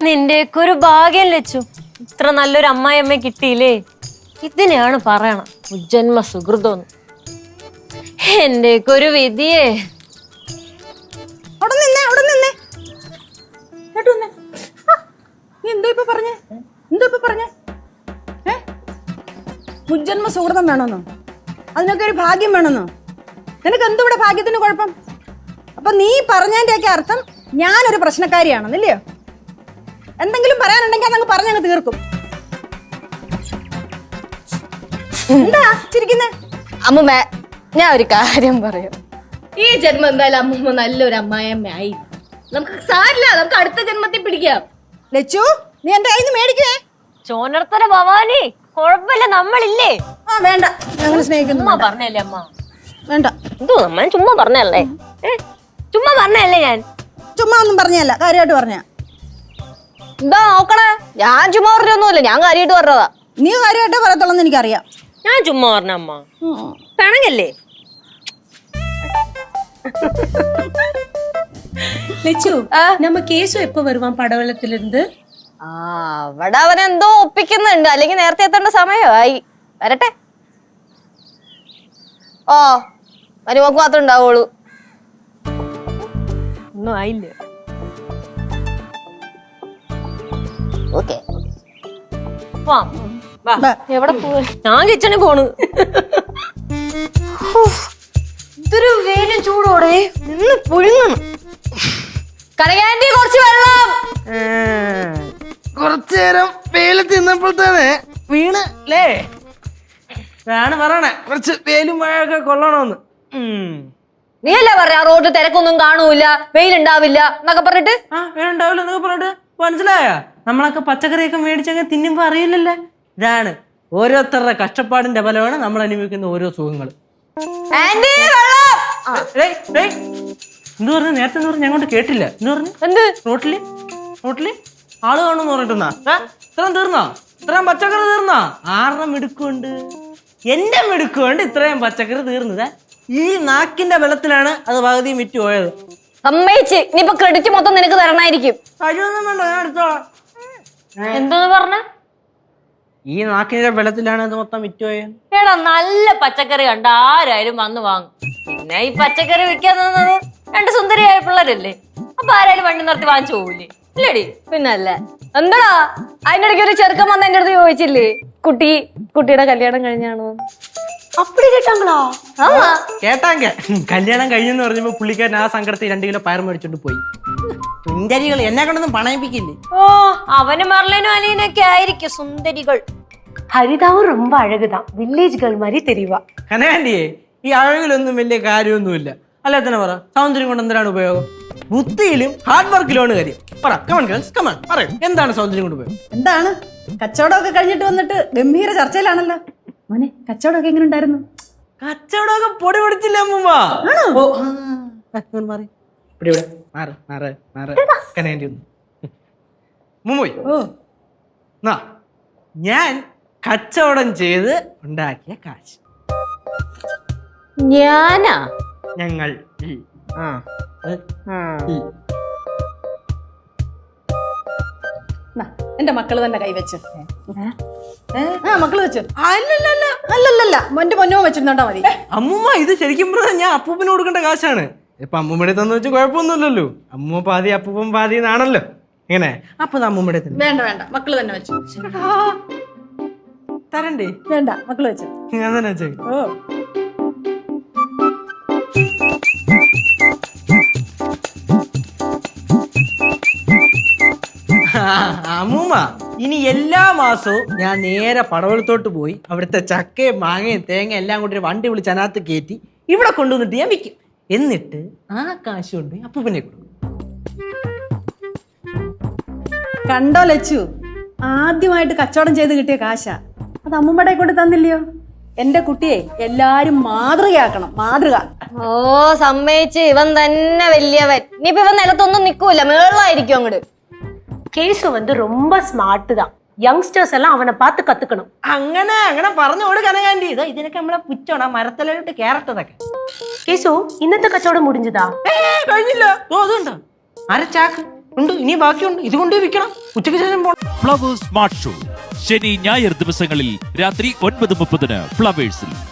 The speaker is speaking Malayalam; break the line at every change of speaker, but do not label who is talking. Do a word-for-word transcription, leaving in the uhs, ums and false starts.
നിന്റെയൊക്കെ ഒരു ഭാഗ്യം ലച്ചു, ഇത്ര നല്ലൊരു അമ്മായിയമ്മ കിട്ടിയില്ലേ. ഇതിനെയാണ് പറയണം ഉജ്ജന്മ സുഹൃതോന്ന്. എന്റെയൊക്കെ ഒരു വിധിയേ.
അവിടെ നിന്നേ അവിടെ നിന്നേ നീ എന്തോ ഇപ്പൊ പറഞ്ഞേ എന്തോ ഇപ്പൊ പറഞ്ഞേ ഏ മുജ്ജന്മ സുഹൃതം വേണമെന്നോ? അതിനൊക്കെ ഒരു ഭാഗ്യം വേണമെന്നോ? നിനക്ക് എന്തോ ഇവിടെ ഭാഗ്യത്തിന് കുഴപ്പം? അപ്പൊ നീ പറഞ്ഞതിന്റെയൊക്കെ അർത്ഥം ഞാനൊരു പ്രശ്നക്കാരിയാണെന്നില്ലയോ? എന്തെങ്കിലും പറയാനുണ്ടെങ്കിൽ അതങ്ങ് പറഞ്ഞങ്ങ് തീർക്കും. എന്താ ചിരിക്കുന്നേ?
അമ്മൂമ്മ, ഞാൻ ഒരു കാര്യം പറയാം. ഈ ജന്മം എന്തായാലും അമ്മൂമ്മ നല്ലൊരു അമ്മായിയമ്മ ആയി. നമുക്ക് സാരില്ല, നമുക്ക് അടുത്ത ജന്മത്തിൽ പിടിക്കാം.
ലച്ചു, നീ എന്റെ കയ്യിൽ നിന്ന് മേടിക്കുവേ.
ചോനർത്തല ഭവാനി, കുഴപ്പമില്ല, നമ്മളില്ലേ.
ആ വേണ്ട, ഞങ്ങൾ സ്നേഹിക്കുന്നു.
ചുമ്മാ പറഞ്ഞല്ലേ അമ്മ.
വേണ്ട,
എന്തോ നമ്മൾ ചുമ്മാ പറഞ്ഞല്ലേ. ചുമ്മാ പറഞ്ഞല്ലേ. ഞാൻ
ചുമ്മാ ഒന്നും പറഞ്ഞല്ല, കാര്യമായിട്ട് പറഞ്ഞ.
എന്താ നോക്കണേ? ഞാൻ ചുമ്മാ പറഞ്ഞൊന്നുമില്ല, ഞാൻ കാര്യമായിട്ട് പറഞ്ഞതാ.
നീ കാര്യമായിട്ടേ പറയത്തുള്ളൂ എന്ന് എനിക്കറിയാം.
ഞാൻ ചുമ്മാ പറഞ്ഞ അമ്മ. കണങ്ങല്ലേ.
லட்சு நம்ம கேசு எப்ப வருவான் പടവലത്തിലിருந்து?
ആ അവിടെ അവൻ എന്തോ ഒപ്പിക്കുന്നുണ്ട്, അല്ലെങ്കിൽ നേരത്തെ എത്തേണ്ട സമയമായി. വരട്ടെ. ഓ മരുമക്ക് മാത്രം ഉണ്ടാവുള്ളൂ.
ഒന്നും ആയില്ല.
ഓക്കെ,
എവിടെ പോ? ഞാൻ കിച്ചണിൽ പോണ്. ഇതൊരു വേലും ചൂടോടെ നിന്ന് പുഴുങ്ങണം.
കനകാന്റി കുറച്ച് വെള്ളം.
കുറച്ചു നേരം വെയില് തിന്നപ്പോൾ തന്നെ വീണ് അല്ലേ? ആണ് പറയണേ, കുറച്ച് വെയിലും മഴയൊക്കെ കൊള്ളണമെന്ന്.
നീ അല്ലേ പറയാ റോഡ് തിരക്കൊന്നും കാണൂല, വെയിലുണ്ടാവില്ല എന്നൊക്കെ പറഞ്ഞിട്ട്.
ആ വേലുണ്ടാവില്ല എന്നൊക്കെ പറഞ്ഞിട്ട് മനസ്സിലായ? നമ്മളൊക്കെ പച്ചക്കറിയൊക്കെ മേടിച്ചങ്ങ് തിന്നുമ്പോ അറിയില്ലല്ലേ. ഇതാണ് ഓരോരുത്തരുടെ കഷ്ടപ്പാടിന്റെ ഫലമാണ് നമ്മൾ അനുഭവിക്കുന്ന ഓരോ സുഖങ്ങൾ. എന്ത് പറഞ്ഞു നേരത്തെ? എന്ന് പറഞ്ഞു ഞങ്ങോട്ട് കേട്ടില്ല. എന്ന് പറഞ്ഞു
എന്ത്?
റോട്ടില് റോട്ടില് ആള് കാണുമെന്ന് പറഞ്ഞിട്ടുന്നാ? ഇത്രയും തീർന്നോ? ഇത്രയും പച്ചക്കറി തീർന്നോ? ആരുടെ മിടുക്കുണ്ട്? എന്റെ മിടുക്കുണ്ട് ഇത്രയും പച്ചക്കറി തീർന്നത്. ഈ നാക്കിന്റെ ബലത്തിലാണ് അത് പകുതിയും വിറ്റ് പോയത്.
സമ്മതിച്ച്. ഇനിയിപ്പൊ ക്രെഡിറ്റ് മൊത്തം നിനക്ക് തരണമായിരിക്കും.
കഴിവൊന്നും വേണ്ട, ഞാൻ എടുത്തോളാം.
എന്തോന്ന് പറഞ്ഞ?
ഈ നാക്കിന്റെ ബലത്തിലാണ് ഇത് മൊത്തം വിറ്റ് പോയത്.
എടാ, നല്ല പച്ചക്കറി കണ്ട ആരായാലും വന്ന് വാങ്ങും. പിന്നെ ഈ പച്ചക്കറി വിൽക്കാൻ തന്നത് രണ്ട് സുന്ദരിയായ പിള്ളേരല്ലേ. അപ്പൊ ആരായാലും വണ്ടി നിർത്തി വാങ്ങിച്ചു പോവില്ലേ? ഇല്ലടി.
പിന്നല്ലേ. എന്താടാ അതിന്റെ ഇടയ്ക്ക് ഒരു ചെറുക്കൻ വന്ന് എന്റെ അടുത്ത് ചോദിച്ചില്ലേ, കുട്ടി കുട്ടിയുടെ കല്യാണം കഴിഞ്ഞാണോ?
அப்படி கேட்டாங்களா?
ആമാ
കേട്ടാങ്ക കല്യാണം കഴിഞ്ഞെന്ന് പറഞ്ഞപ്പോ പുള്ളിക്കാരൻ ആ സങ്കടത്തിൽ രണ്ടു കിലോ പയർ മേടിച്ചോണ്ട് പോയി. സുന്ദരികൾ എന്നെ കൊണ്ടൊന്നും പണയിപ്പിക്കില്ലേ.
ഓ, അവന് മർലനും അലീനൊക്കെ ആയിരിക്കും സുന്ദരികൾ.
ஹரிதாவும் ரொம்ப அழகுதான், வில்லேஜ் கேர்ள் மாதிரி தெரிவா.
കനകാന്റിയെ, ഈ അഴകിലൊന്നും വലിയ കാര്യമൊന്നുമില്ല. അല്ലെ തന്നെ പറ, സൗന്ദര്യം കൊണ്ട് എന്തിനാണ് ഉപയോഗം? ബുദ്ധിയിലും ഹാർഡ് വർക്കിലുമാണ് കാര്യം. പറ, കമൺ ഗേൾസ് കമൺ, പറയൂ, എന്താണ് സൗന്ദര്യം കൊണ്ട് ഉപയോഗം?
എന്താണ്? കച്ചവടമൊക്കെ കഴിഞ്ഞിട്ട് വന്നിട്ട് ഗംഭീര ചർച്ചയിലാണല്ലോ. മോനെ, കച്ചവടമൊക്കെ എങ്ങനെ ഉണ്ടായിരുന്നു?
കച്ചവടമൊക്കെ പൊടി പൊടിച്ചില്ല അമ്മൂമ്മ. ഓ, ആ, ഇങ്ങോട്ട് മാറി. ഇവിടെ ഇവിടെ മാറ് മാറ് മാറ്. കനകാന്റി ഒന്ന് മുമ്പോയി.
ഓ,
നാ, ഞാൻ കച്ചവടം ചെയ്ത് ഉണ്ടാക്കിയ കാശ്.
ഞാനാ?
ഞങ്ങൾ ഈ, ആ, ഏ, ഈ.
നാ, എന്റെ മക്കള് തന്നെ കൈവച്ച്. ആ മക്കള് വെച്ചു. അല്ലല്ല അല്ലല്ല എന്റെ പൊന്നോ വെച്ചിരുന്നോണ്ടാ മതി.
അമ്മൂമ്മ, ഇത് ശരിക്കും പറഞ്ഞാൽ ഞാൻ അപ്പൂപ്പന് കൊടുക്കേണ്ട കാശാണ്. ഇപ്പൊ അമ്മൂമ്മയുടെ തന്നു വെച്ച് കുഴപ്പമൊന്നുമില്ലല്ലോ. അമ്മൂമ്മ പാതി അപ്പൂപ്പൻ പാതി എന്നാണല്ലോ. എങ്ങനെ? അപ്പൊ അമ്മൂമ്മയുടെ തന്നെ
വേണ്ട വേണ്ട, മക്കള് തന്നെ വെച്ചു.
തരണ്ടേ?
വേണ്ട, മക്കള് വെച്ചു.
ഞാൻ തന്നെ വെച്ചേ.
ഓ,
അമ്മൂമ്മ, ഇനി എല്ലാ മാസവും ഞാൻ നേരെ പടവലത്തോട്ട് പോയി അവിടുത്തെ ചക്കയും മാങ്ങയും തേങ്ങ എല്ലാം കൂടി ഒരു വണ്ടി വിളിച്ച് അതിനകത്ത് കയറ്റി ഇവിടെ കൊണ്ടുവന്നിട്ട് ഞാൻ വിൽക്കും. എന്നിട്ട് ആ കാശ് കൊണ്ട് അപ്പൂപ്പനെ കൊടുക്കും.
കണ്ടോ ലച്ചു, ആദ്യമായിട്ട് കച്ചവടം ചെയ്ത് കിട്ടിയ കാശാ. അത് അമ്മൂമ്മയുടെ കൊണ്ട് തന്നില്ലയോ? എന്റെ കുട്ടിയെ എല്ലാരും മാതൃകയാക്കണം, മാതൃക.
ഓ സമ്മതിച്ച്. ഇവൻ തന്നെ വലിയവൻ. ഇനിയിപ്പോ ഇവൻ നിലത്തൊന്നും നിക്കൂല, മേളായിരിക്കും അങ്ങോട്ട്.
கேசு வந்து ரொம்ப ஸ்மார்ட் தான். യങ്സ്റ്റേഴ്സ് എല്ലാം അവനെ பார்த்து കത്തുക്കണം.
അങ്ങനെ അങ്ങനെ പറഞ്ഞോട് കനകാന്റി. ഇതാ ഇതിനൊക്കെ നമ്മളെ പുച്ചോണ മരത്തലോട്ട് കേറട്ടതൊക്കെ.
കേസു, ഇന്നത്തെ കച്ചവടം മുടിഞ്ഞതാ?
കഴിഞ്ഞില്ല. ഓ, അതുണ്ടോ? അര ചാക്ക് ഉണ്ട്, ഇനി ബാക്കിയുണ്ട്. ഇത് കൊണ്ടേ വിൽക്കണം. ഉച്ചയ്ക്ക് ശേഷം പോണം.
ഫ്ലവേഴ്സ് സ്മാർട്ട് ഷോ ശനി ഞായർ ദിവസങ്ങളിൽ രാത്രി ഒൻപത് മുപ്പതിന് ഫ്ലവേഴ്സിൽ.